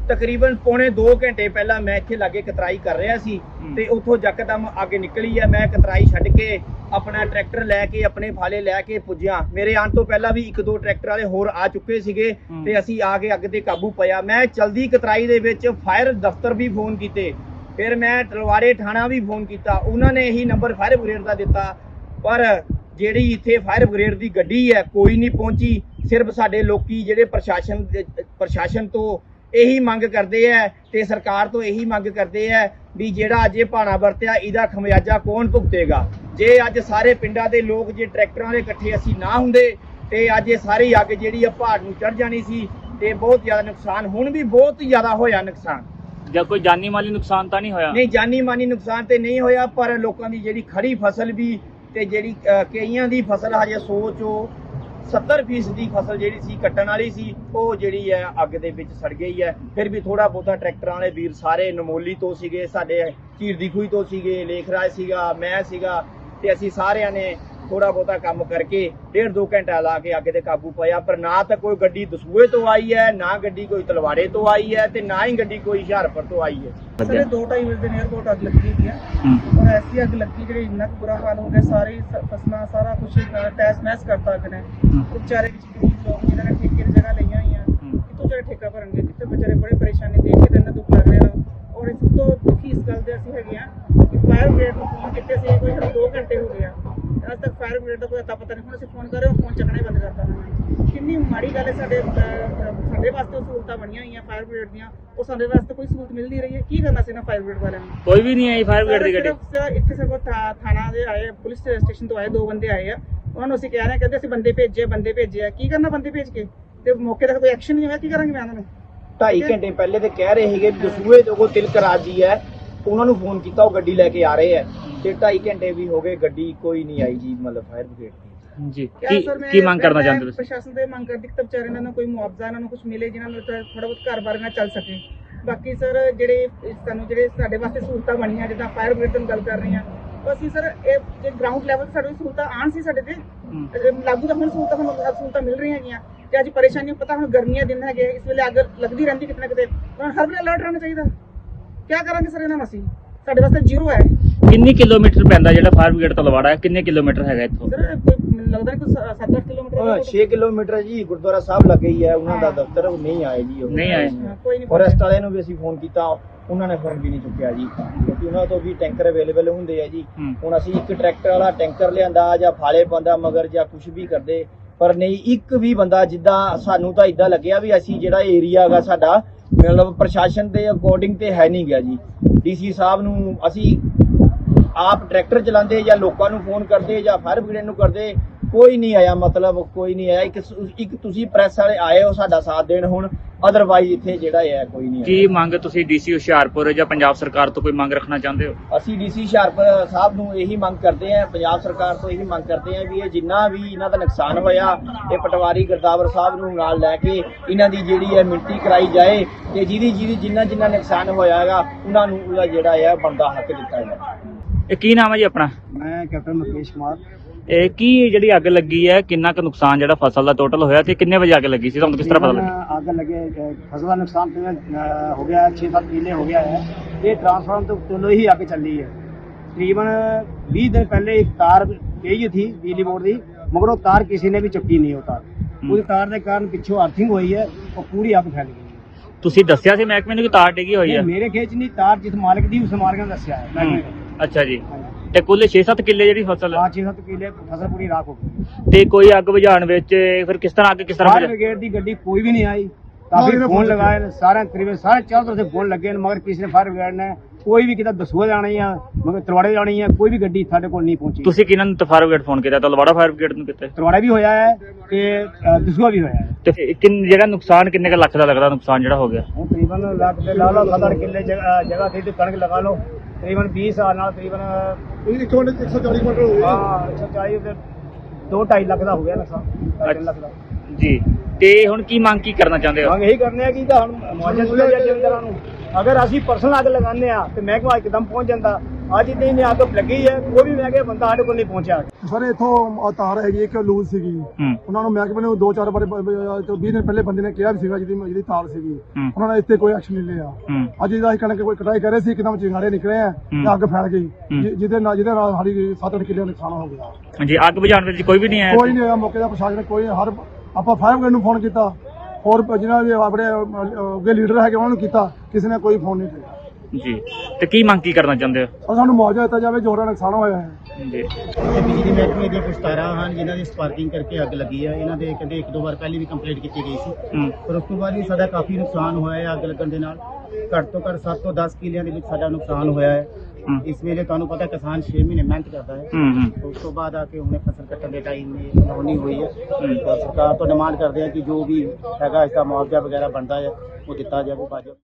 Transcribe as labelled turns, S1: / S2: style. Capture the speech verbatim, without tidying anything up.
S1: ਤਕਰੀਬਨ ਪੌਣੇ ਦੋ ਘੰਟੇ ਪਹਿਲਾਂ ਮੈਂ ਇੱਥੇ ਲਾਗੇ ਕਤਰਾਈ ਕਰ ਰਿਹਾ ਸੀ ਤੇ ਉੱਥੋਂ ਯਕਦਮ ਅੱਗ ਨਿਕਲੀ ਹੈ। ਮੈਂ ਕਤਰਾਈ ਛੱਡ ਕੇ ਆਪਣਾ ਟਰੈਕਟਰ ਲੈ ਕੇ ਆਪਣੇ ਫਾਲੇ ਲੈ ਕੇ ਪੁੱਜਿਆ। ਮੇਰੇ ਆਉਣ ਤੋਂ ਪਹਿਲਾਂ ਵੀ ਇੱਕ ਦੋ ਟਰੈਕਟਰ ਵਾਲੇ ਹੋਰ ਆ ਚੁੱਕੇ ਸੀਗੇ ਤੇ ਅਸੀਂ ਆ ਕੇ ਅੱਗ ਤੇ ਕਾਬੂ ਪਾਇਆ। ਮੈਂ ਚਲਦੀ ਕਤਰਾਈ ਦੇ ਵਿੱਚ ਫਾਇਰ ਦਫ਼ਤਰ ਵੀ ਫੋਨ ਕੀਤੇ, ਫਿਰ ਮੈਂ ਤਲਵਾੜੇ ਥਾਣਾ ਵੀ ਫੋਨ ਕੀਤਾ, ਉਹਨਾਂ ਨੇ ਇਹੀ ਨੰਬਰ ਫਾਇਰ ਬ੍ਰਿਗੇਡ ਦਾ ਦਿੱਤਾ, ਪਰ ਜਿਹੜੀ ਇੱਥੇ ਫਾਇਰ ਬ੍ਰਿਗੇਡ ਦੀ ਗੱਡੀ ਹੈ ਕੋਈ ਨਹੀਂ ਪਹੁੰਚੀ। ਸਿਰਫ ਸਾਡੇ ਲੋਕੀ ਜਿਹੜੇ ਪ੍ਰਸ਼ਾਸਨ ਪ੍ਰਸ਼ਾਸਨ ਤੋਂ ਇਹੀ ਮੰਗ ਕਰਦੇ ਹੈ ਤੇ ਸਰਕਾਰ ਤੋਂ ਇਹੀ ਮੰਗ ਕਰਦੇ ਹੈ ਵੀ ਜਿਹੜਾ ਅੱਜ ਇਹ ਭਾਣਾ ਵਰਤਿਆ ਇਹਦਾ ਖਮਿਆਜਾ ਕੌਣ ਭੁਗਤੇਗਾ। ਜੇ ਅੱਜ ਸਾਰੇ ਪਿੰਡਾਂ ਦੇ ਲੋਕ ਜੇ ਟਰੈਕਟਰਾਂ ਦੇ ਇਕੱਠੇ ਅਸੀਂ ਨਾ ਹੁੰਦੇ ਤੇ ਅੱਜ ਇਹ ਸਾਰੀ ਅੱਗ ਜਿਹੜੀ ਆ ਪਹਾੜ ਨੂੰ ਚੜ ਜਾਣੀ ਸੀ ਤੇ ਬਹੁਤ ਜ਼ਿਆਦਾ ਨੁਕਸਾਨ, ਹੁਣ ਵੀ ਬਹੁਤ ਜ਼ਿਆਦਾ ਹੋਇਆ ਨੁਕਸਾਨ।
S2: ਜਾਂ ਕੋਈ ਜਾਨੀ ਮਾਲੀ ਨੁਕਸਾਨ ਤਾਂ ਨਹੀਂ ਹੋਇਆ?
S1: ਨਹੀਂ, ਜਾਨੀ ਮਾਨੀ ਨੁਕਸਾਨ ਤੇ ਨਹੀਂ ਹੋਇਆ, ਪਰ ਲੋਕਾਂ ਦੀ ਜਿਹੜੀ ਖੜੀ ਫਸਲ ਵੀ ਤੇ ਜਿਹੜੀ ਕਈਆਂ ਦੀ ਫਸਲ ਹਜੇ ਸੌ ਚੋਂ ਸੱਤਰ ਫੀਸਦ ਦੀ ਫਸਲ ਜਿਹੜੀ ਸੀ ਕੱਟਣ ਵਾਲੀ ਸੀ ਉਹ ਜਿਹੜੀ ਹੈ ਅੱਗ ਦੇ ਵਿੱਚ ਸੜ ਗਈ ਹੈ। ਫਿਰ ਵੀ ਥੋੜਾ ਬਹੁਤਾ ਟਰੈਕਟਰਾਂ ਵਾਲੇ ਵੀਰ ਸਾਰੇ ਨਮੋਲੀ ਤੋਂ ਸੀਗੇ, ਸਾਡੇ ਝੀਰ ਦੀ ਖੂਹੀ ਤੋਂ ਸੀਗੇ, ਲੇਖਰਾਜ ਸੀਗਾ, ਮੈਂ ਸੀਗਾ ਤੇ ਅਸੀਂ ਸਾਰਿਆਂ ਨੇ ਥੋੜਾ ਬਹੁਤਾ ਕੰਮ ਕਰਕੇ ਡੇਢ ਦੋ ਘੰਟਾ ਲਾ ਕੇ ਅੱਗ ਤੇ ਕਾਬੂ ਪਾਇਆ। ਪਰ ਨਾ ਤਾਂ ਕੋਈ ਗੱਡੀ ਦਸੂਹੇ ਤੋਂ ਆਈ ਹੈ, ਨਾ ਗੱਡੀ ਕੋਈ ਤਲਵਾੜੇ ਤੋਂ ਆਈ ਹੈ ਤੇ ਨਾ ਹੀ ਗੱਡੀ ਕੋਈ ਹੁਸ਼ਿਆਰਪੁਰ ਤੋਂ ਆਈ ਹੈ।
S3: ਸਰ ਦੋ ਢਾਈ ਵਜੇ ਦੇ ਨੇੜੇ ਕੋਟ ਅੱਗ ਲੱਗੀ ਹੋਈ ਹੈ ਔਰ ਐਸੀ ਅੱਗ ਲੱਗੀ ਜਿਹੜੀ ਇੰਨਾ ਕੁ ਬੁਰਾ ਹਾਲ ਹੋ ਗਿਆ, ਸਾਰੀ ਫਸਲਾਂ ਸਾਰਾ ਕੁਝ ਟੈਸ ਮੈਸ ਕਰਤਾ ਅੱਗ ਨੇ। ਵਿਚਾਰੇ ਗਰੀਬ ਲੋਕ ਜਿਨ੍ਹਾਂ ਨੇ ਠੇਕੇ ਦੀ ਜਗ੍ਹਾ ਲਈਆਂ ਹੋਈਆਂ ਕਿੱਥੋਂ ਵਿਚਾਰੇ ਠੇਕਾ ਭਰਨਗੇ, ਕਿੱਥੇ ਵਿਚਾਰੇ ਬੜੇ ਪਰੇਸ਼ਾਨੀ ਦੇਖ ਕੇ ਇਹਨਾਂ ਦੁੱਖ ਲੱਗ ਰਿਹਾ। ਔਰ ਇਸ ਤੋਂ ਦੁਖੀ ਇਸ ਗੱਲ ਦੇ ਅਸੀਂ ਹੈਗੇ ਆ ਕਿ ਫਾਇਰ ਬ੍ਰਿਗੇਡ ਨੂੰ ਫੋਨ ਕੀਤੇ ਸੀ ਕੋਈ ਦੋ ਘੰਟੇ ਹੋ ਗਏ ਆ, ਅੱਜ ਤੱਕ ਫਾਇਰ ਬ੍ਰਿਗੇਡ ਦਾ ਕੋਈ ਅਤਾ ਪਤਾ ਨਹੀਂ। ਹੁਣ ਅਸੀਂ ਫੋਨ ਕਰ ਰਹੇ ਹਾਂ, ਫੋਨ ਚੱਕਣਾ ਹੀ ਬੰਦ ਕਰਤਾ। ਕਿੰਨੀ ਮਾੜੀ ਗੱਲ ਹੈ। ਸਾਡੇ ਸਾਡੇ ਵਾਸਤੇ ਸਹੂਲਤਾਂ ਬਣੀਆਂ ਹੋਈਆਂ ਫਾਇਰ ਬ੍ਰਿਗੇਡ ਦੀਆਂ, ਉਹ ਸਾਡੇ ਵਾਸਤੇ ਕੋਈ ਸਹੂਲਤ ਮਿਲ ਨਹੀਂ ਰਹੀ ਹੈ। ਕੀ ਕਰਨਾ ਸੀ ਨਾ ਫਾਇਰ ਬ੍ਰਿਗੇਡ ਵਾਲਿਆਂ ਨੂੰ?
S2: ਕੋਈ ਵੀ ਨਹੀਂ ਆਈ ਫਾਇਰ ਬ੍ਰਿਗੇਡ ਦੀ ਗੱਡੀ?
S3: ਇੱਥੇ ਸਿਰਫ ਥਾਣਾ ਦੇ ਆਏ, ਪੁਲਿਸ ਸਟੇਸ਼ਨ ਤੋਂ ਆਏ ਦੋ ਬੰਦੇ ਆਏ ਆ, ਉਹਨਾਂ ਨੂੰ ਅਸੀਂ ਕਹਿ ਰਹੇ ਹਾਂ, ਕਹਿੰਦੇ ਅਸੀਂ ਬੰਦੇ ਭੇਜੇ ਬੰਦੇ ਭੇਜੇ ਆ। ਕੀ ਕਰਨਾ ਬੰਦੇ ਭੇਜ ਕੇ ਤੇ ਮੌਕੇ ਤੱਕ ਕੋਈ ਐਕਸ਼ਨ ਨਹੀਂ ਹੋਇਆ, ਕੀ ਕਰਾਂਗੇ ਮੈਂ ਉਹਨਾਂ ਨੂੰ?
S1: ਢਾਈ ਘੰਟੇ ਪਹਿਲੇ ਤੇ ਕਹਿ ਰਹੇ ਸੀਗੇ ਦਸੂਹੇ ਤੋਂ ਕੋਈ ਤਿਲਕ ਰਾਜੀ ਹੈ, ਉਹਨਾਂ ਨੂੰ ਫੋਨ ਕੀਤਾ, ਉਹ ਗੱਡੀ ਲੈ ਕੇ ਆ ਰਹੇ ਹੈ ਤੇ ਢਾਈ ਘੰਟੇ ਵੀ ਹੋ ਗਏ ਗੱਡੀ ਕੋਈ ਨਹੀਂ ਆਈ ਜੀ, ਮਤਲਬ ਫਾਇਰ ਬ੍ਰਿਗੇਡ ਦੀ।
S2: ਜੀ ਕੀ ਕੀ ਮੰਗ ਕਰਨਾ ਚਾਹੁੰਦੇ ਤੁਸੀਂ?
S3: ਪ੍ਰਸ਼ਾਸਨ ਦੇ ਮੰਗ ਕਰਦੀ ਕਿ ਵਿਚਾਰੇ ਇਹਨਾਂ ਨੂੰ ਕੋਈ ਮੁਆਵਜ਼ਾ ਇਹਨਾਂ ਨੂੰ ਕੁਝ ਮਿਲੇ ਜਿਨ੍ਹਾਂ ਨੂੰ ਥੋੜਾ ਬਹੁਤ ਘਰ-ਬਾਰ ਨਾਲ ਚੱਲ ਸਕੇ। ਬਾਕੀ ਸਰ ਜਿਹੜੇ ਸਾਨੂੰ ਜਿਹੜੇ ਸਾਡੇ ਵਾਸਤੇ ਸਹੂਲਤਾਂ ਬਣੀਆਂ, ਜਿੱਦਾਂ ਫਾਇਰ ਬ੍ਰਿਗੇਡ ਦੀ ਗੱਲ ਕਰ ਰਹੇ ਹਾਂ, ਅਸੀਂ ਸਰ ਇਹ ਜੇ ਗਰਾਊਂਡ ਲੈਵਲ ਸਾਡੀ ਸਹੂਲਤਾਂ ਆਉਣ ਸੀ ਸਾਡੇ ਤੇ ਲਾਗੂ, ਤਾਂ ਹੁਣ ਸਹੂਲਤਾਂ ਸਾਨੂੰ ਸਹੂਲਤਾਂ ਮਿਲ ਰਹੀਆਂ ਹੈਗੀਆਂ ਤੇ ਅੱਜ ਪਰੇਸ਼ਾਨੀ ਪਤਾ ਹੁਣ ਗਰਮੀਆਂ ਦਿਨ ਹੈਗੇ, ਇਸ ਵੇਲੇ ਅੱਗ ਲੱਗਦੀ ਰਹਿੰਦੀ ਕਿਤੇ ਨਾ ਕਿਤੇ, ਹਰ ਵੇਲੇ ਅਲਰਟ ਰਹਿਣਾ ਚਾਹੀਦਾ। ਕੀ ਕਰਾਂਗੇ ਸਰ ਇਹਨਾਂ ਨੂੰ? ਅਸੀਂ ਸਾਡੇ ਵਾਸਤੇ ਜ਼ੀਰੋ ਹੈ।
S2: ਕਿੰਨੀ ਕਿਲੋਮੀਟਰ ਪੈਂਦਾ ਜਿਹੜਾ ਫਾਇਰ ਬ੍ਰਿਗੇਡ ਤਲਵਾੜਾ ਹੈ? ਕਿੰਨੇ ਕਿਲੋਮੀਟਰ ਹੈਗਾ ਇੱਥੋਂ?
S3: ਸਰ ਮੈਨੂੰ ਲੱਗਦਾ ਕਿ ਸੱਤ ਅੱਠ ਕਿਲੋਮੀਟਰ
S1: ਛੇ ਕਿਲੋਮੀਟਰ ਜੀ ਗੁਰਦੁਆਰਾ ਸਾਹਿਬ ਲੱਗੇ ਹੀ ਹੈ ਉਹਨਾਂ ਦਾ ਦਫ਼ਤਰ, ਉਹ ਨਹੀਂ ਆਏ ਜੀ, ਉਹ
S2: ਨਹੀਂ ਆਏ।
S3: ਕੋਈ ਨਹੀਂ।
S1: ਫੋਰੈਸਟ ਵਾਲਿਆਂ ਨੂੰ ਵੀ ਅਸੀਂ ਫੋਨ ਕੀਤਾ, ਉਹਨਾਂ ਨੇ ਫੋਨ ਵੀ ਨਹੀਂ ਚੁੱਕਿਆ ਜੀ, ਕਿਉਂਕਿ ਉਹਨਾਂ ਤੋਂ ਵੀ ਟੈਂਕਰ ਅਵੇਲੇਬਲ ਹੁੰਦੇ ਆ ਜੀ। ਹੁਣ ਅਸੀਂ ਇੱਕ ਟਰੈਕਟਰ ਵਾਲਾ ਟੈਂਕਰ ਲਿਆਂਦਾ ਜਾਂ ਫਾਲੇ ਪਾਉਂਦਾ ਮਗਰ ਜਾਂ ਕੁਝ ਵੀ ਕਰਦੇ, ਪਰ ਨਹੀਂ ਇੱਕ ਵੀ ਬੰਦਾ, ਜਿੱਦਾਂ ਸਾਨੂੰ ਤਾਂ ਇਦਾਂ ਲੱਗਿਆ ਵੀ ਅਸੀਂ ਜਿਹੜਾ ਏਰੀਆ ਹੈਗਾ ਸਾਡਾ ਮਤਲਬ ਪ੍ਰਸ਼ਾਸਨ ਦੇ ਅਕੋਰਡਿੰਗ ਤੇ ਹੈ ਨਹੀਂ ਗਿਆ ਜੀ। ਡੀਸੀ ਸਾਹਿਬ ਨੂੰ ਅਸੀਂ ਆਪ ਟਰੈਕਟਰ ਚਲਾਉਂਦੇ ਜਾਂ ਲੋਕਾਂ ਨੂੰ ਫੋਨ ਕਰਦੇ ਜਾਂ ਫਾਇਰ ਬ੍ਰਿਗੇਡ ਨੂੰ ਕਰਦੇ, ਕੋਈ ਨਹੀਂ ਆਇਆ, ਮਤਲਬ ਕੋਈ ਨਹੀਂ ਆਇਆ। ਇੱਕ ਇੱਕ ਤੁਸੀਂ ਪ੍ਰੈਸ ਵਾਲੇ ਆਏ ਹੋ ਸਾਡਾ ਸਾਥ ਦੇਣ, ਹੁਣ ਅਦਰਵਾਈਜ਼ ਇੱਥੇ ਜਿਹੜਾ ਹੈ ਕੋਈ ਨਹੀਂ।
S2: ਕੀ ਮੰਗ ਤੁਸੀਂ ਡੀਸੀ ਹੁਸ਼ਿਆਰਪੁਰ ਜਾਂ ਪੰਜਾਬ ਸਰਕਾਰ ਤੋਂ ਕੋਈ ਮੰਗ ਰੱਖਣਾ ਚਾਹੁੰਦੇ ਹੋ?
S1: ਅਸੀਂ ਡੀਸੀ ਹੁਸ਼ਿਆਰਪੁਰ ਸਾਹਿਬ ਨੂੰ ਇਹੀ ਮੰਗ ਕਰਦੇ ਹਾਂ, ਪੰਜਾਬ ਸਰਕਾਰ ਤੋਂ ਇਹੀ ਮੰਗ ਕਰਦੇ ਹਾਂ ਵੀ ਇਹ ਜਿੰਨਾ ਵੀ ਇਹਨਾਂ ਦਾ ਨੁਕਸਾਨ ਹੋਇਆ ਇਹ ਪਟਵਾਰੀ ਗੁਰਦਾਵਰ ਸਾਹਿਬ ਨੂੰ ਨਾਲ ਲੈ ਕੇ ਇਹਨਾਂ ਦੀ ਜਿਹੜੀ ਹੈ ਮਿਣਤੀ ਕਰਾਈ ਜਾਏ ਤੇ ਜਿਹਦੀ ਜਿਹਦੀ ਜਿੰਨਾ ਜਿੰਨਾ ਨੁਕਸਾਨ ਹੋਇਆ ਹੈਗਾ ਉਹਨਾਂ ਨੂੰ ਉਹਦਾ ਜਿਹੜਾ ਹੈ ਬਣਦਾ ਹੱਕ ਦਿੱਤਾ ਜਾਏ।
S2: ਇਹ ਕੀ ਨਾਮ ਹੈ ਜੀ ਆਪਣਾ?
S1: ਮੈਂ ਕੈਪਟਨ ਮੁਕੇਸ਼ ਕੁਮਾਰ।
S2: ਇਹ ਕੀ ਜਿਹੜੀ ਅੱਗ ਲੱਗੀ ਹੈ, ਕਿੰਨਾ ਕੁ ਨੁਕਸਾਨ ਜਿਹੜਾ ਫਸਲ ਦਾ ਟੋਟਲ ਹੋਇਆ ਤੇ ਕਿੰਨੇ ਵਜੇ ਅੱਗ ਲੱਗੀ ਸੀ, ਤੁਹਾਨੂੰ ਕਿਸ ਤਰ੍ਹਾਂ ਪਤਾ ਲੱਗਾ?
S1: ਅੱਗ ਲੱਗੇ ਫਸਲ ਦਾ ਨੁਕਸਾਨ ਹੋ ਗਿਆ ਛੇ ਸੱਤ ਕਿੱਲੇ ਹੋ ਗਿਆ ਹੈ। ਇਹ ਟਰਾਂਸਫਾਰਮ ਤੋਂ ਚਲੋ ਹੀ ਅੱਗ ਚੱਲੀ ਹੈ। ਤਕਰੀਬਨ ਵੀਹ ਦਿਨ ਪਹਿਲੇ ਇੱਕ ਤਾਰ ਗਈ थी बिजली बोर्ड की, मगर वो तार किसी ने भी चुकी नहीं। वो तार उस तार के कारण पिछों अर्थिंग हुई है और पूरी अग फैल गई है।
S2: ਤੁਸੀਂ ਦੱਸਿਆ ਸੀ ਮਹਿਕਮੇ ਨੂੰ ਕਿ ਤਾਰ ਡਿੱਗੀ ਹੋਈ ਹੈ?
S1: मेरे खेच नहीं, तार जिस मालिक दी उस मालिक ने दस्या है महकमे को।
S2: ਅੱਛਾ ਜੀ। ਤੇ ਕੁੱਲ ਛੇ ਸੱਤ ਕਿੱਲੇ ਜਿਹੜੀ ਫਸਲ
S1: हाँ छे सत्त किले फसल पूरी राख हो गई।
S2: ਤੇ ਕੋਈ ਅੱਗ ਬੁਝਾਉਣ ਵਿੱਚ ਫਿਰ ਕਿਸ ਤਰ੍ਹਾਂ ਅੱਗ ਕਿਸ ਤਰ੍ਹਾਂ
S1: फायर ब्रिगेड की गड्डी कोई भी नहीं आई, काफी फोन लगाए सारे तकरीबन सारे चारों तरफ से फोन लगे, मगर किसी ने फायर ब्रिगेड ने कोई भी किता दसूआ जानी है मगर तलवाड़े जानी है, कोई भी गड्डी साढ़े कोल नहीं पहुंची।
S2: ਤੁਸੀਂ ਕਿਹਨਾਂ ਨੂੰ ਫਾਇਰ ਬ੍ਰਿਗੇਡ ਫੋਨ ਕੀਤਾ? ਤਲਵਾੜਾ ਫਾਇਰ ਬ੍ਰਿਗੇਡ ਨੂੰ ਕੀਤਾ?
S1: तलवाड़ा भी होया है ते दसूआ भी होया है।
S2: ਤੇ ਕਿੰਨ ਜਿਹੜਾ ਨੁਕਸਾਨ ਕਿੰਨੇ ਕੁ ਲੱਖ ਦਾ ਲੱਗਦਾ ਨੁਕਸਾਨ ਜਿਹੜਾ ਹੋ ਗਿਆ?
S1: ਹੁਣ ਤਕਰੀਬਨ ਲੱਖ ਦੇ ਲਾ ਲਓ, ਸੱਤ ਅੱਠ ਕਿੱਲੇ ਜਗ੍ਹਾ ਜਗ੍ਹਾ ਸੀ ਤੇ ਕਣਕ ਲਗਾ ਲਓ, ਤਕਰੀਬਨ ਵੀਹ ਸਾਲ ਨਾਲ ਤਕਰੀਬਨ ਇੱਕ ਸੌ ਚਾਲੀ ਕੁਇੰਟਲ ਹੋ ਗਿਆ। ਹਾਂ ਇੱਕ ਸੌ ਚਾਲੀ ਤੇ ਦੋ ਢਾਈ ਲੱਖ ਦਾ ਹੋ ਗਿਆ ਨੁਕਸਾਨ, ਢਾਈ ਲੱਖ ਦਾ
S2: ਜੀ। ਤੇ ਹੁਣ ਕੀ ਮੰਗ ਕੀ ਕਰਨਾ ਚਾਹੁੰਦੇ ਹੋ?
S1: ਮੰਗ ਇਹੀ ਕਰਨੇ ਆ ਕਿ ਤਾਂ ਹੁਣ ਮੁਆਵਜ਼ਾ ਦਿੱਤਾ ਜਾਏ ਜ਼ਿਮੀਂਦਾਰਾਂ ਨੂੰ। ਅਗਰ ਅਸੀਂ ਪਰਸਨਲ ਅੱਗ ਲਗਾਉਂਦੇ ਆ ਤੇ ਮਹਿਕਮਾ ਇੱਕਦਮ ਪਹੁੰਚ ਜਾਂਦਾ, ਅੱਜ ਇतनी ਨੇ ਅੱਗ ਲੱਗੀ ਹੈ, ਕੋਈ ਵੀ ਮੈਂ ਕਿਹਾ ਬੰਦਾ ਸਾਡੇ ਕੋਲ ਨਹੀਂ ਪਹੁੰਚਿਆ।
S4: ਸਰ ਇੱਥੋਂ ਤਾਰ ਹੈਗੀ ਇੱਕ ਲੂਜ਼ ਸੀਗੀ, ਉਹਨਾਂ ਨੂੰ ਮਹਿਕਮੇ ਨੂੰ ਦੋ ਚਾਰ ਵਾਰ ਵੀਹ ਦਿਨ ਪਹਿਲੇ ਬੰਦੇ ਨੇ ਕਿਹਾ ਵੀ ਸੀਗਾ ਜਿਹਦੀ ਜਿਹਦੀ ਤਾਰ ਸੀਗੀ, ਉਹਨਾਂ ਨੇ ਇੱਥੇ ਕੋਈ ਐਕਸ਼ਨ ਨਹੀਂ ਲਿਆ। ਅੱਜ ਇਹਦਾ ਅਸੀਂ ਕਣਕ ਕੋਈ ਕਟਾਈ ਕਰ ਰਹੇ ਸੀ, ਇੱਕਦਮ ਚਿੰਗਾੜੇ ਨਿਕਲੇ ਆ ਤੇ ਅੱਗ ਫੈਲ ਗਈ, ਜਿਹਦੇ ਨਾਲ ਜਿਹਦੇ ਨਾਲ ਸਾਡੀ ਸੱਤ ਅੱਠ ਕਿੱਲੇ ਦਾ ਨੁਕਸਾਨ ਹੋ ਗਿਆ।
S2: ਹਾਂਜੀ, ਅੱਗ ਬੁਝਾਉਣ ਵਿੱਚ ਕੋਈ ਵੀ ਨਹੀਂ ਆਇਆ?
S4: ਕੋਈ ਨਹੀਂ ਆਇਆ ਮੌਕੇ ਦਾ, ਪ੍ਰਸ਼ਾਸਨ ਕੋਈ ਹਰ ਆਪਾਂ ਫਾਇਰ ਬ੍ਰਿਗੇਡ ਨੂੰ ਫੋਨ ਕੀਤਾ, ਹੋਰ ਜਿਹਨਾਂ ਵੀ ਆਪਣੇ ਅੱਗੇ ਲੀਡਰ ਹੈਗੇ ਉਹਨਾਂ ਨੂੰ ਕੀਤਾ, ਕਿਸੇ ਨੇ ਕੋਈ ਫੋਨ ਨਹੀਂ ਕੀਤਾ
S2: ਜੀ। ਤੇ ਕੀ ਮੰਗ ਕੀ ਕਰਨਾ ਚਾਹੁੰਦੇ ਹੋ?
S4: ਔਰ ਸਾਨੂੰ ਮੁਆਵਜ਼ਾ ਦਿੱਤਾ ਜਾਵੇ ਜੋ ਉਹਨਾਂ ਨੁਕਸਾਨ ਹੋਇਆ ਹੈ
S2: ਜੀ।
S5: ਬਿਜਲੀ ਮਹਿਕਮੇ ਦੀਆਂ ਕੁਝ ਤਾਰਾਂ ਹਨ ਜਿਨ੍ਹਾਂ ਦੀ ਸਪਾਰਕਿੰਗ ਕਰਕੇ ਅੱਗ ਲੱਗੀ ਹੈ। ਇਹਨਾਂ ਦੇ ਕਹਿੰਦੇ ਇੱਕ ਦੋ ਵਾਰ ਪਹਿਲੇ ਵੀ ਕੰਪਲੇਂਟ ਕੀਤੀ ਗਈ ਸੀ, ਪਰ ਉਸ ਤੋਂ ਬਾਅਦ ਵੀ ਸਾਡਾ ਕਾਫੀ ਨੁਕਸਾਨ ਹੋਇਆ ਹੈ ਅੱਗ ਲੱਗਣ ਦੇ ਨਾਲ। ਘੱਟ ਤੋਂ ਘੱਟ ਸੱਤ ਤੋਂ ਦਸ ਕਿੱਲਿਆਂ ਦੇ ਵਿੱਚ ਸਾਡਾ ਨੁਕਸਾਨ ਹੋਇਆ ਹੈ। ਇਸ ਵੇਲੇ ਤੁਹਾਨੂੰ ਪਤਾ ਕਿਸਾਨ ਛੇ ਮਹੀਨੇ ਮਿਹਨਤ ਕਰਦਾ ਹੈ, ਉਸ ਤੋਂ ਬਾਅਦ ਆ ਕੇ ਹੁਣੇ ਫਸਲ ਕੱਟਣ ਦੇ ਟਾਈਮ ਇਹ ਹੋਣੀ ਹੋਈ ਹੈ। ਸਰਕਾਰ ਤੋਂ ਡਿਮਾਂਡ ਕਰਦੇ ਆ ਕਿ ਜੋ ਵੀ ਹੈਗਾ ਇਸਦਾ ਮੁਆਵਜ਼ਾ ਵਗੈਰਾ ਬਣਦਾ ਹੈ ਉਹ ਦਿੱਤਾ ਜਾਵੇ।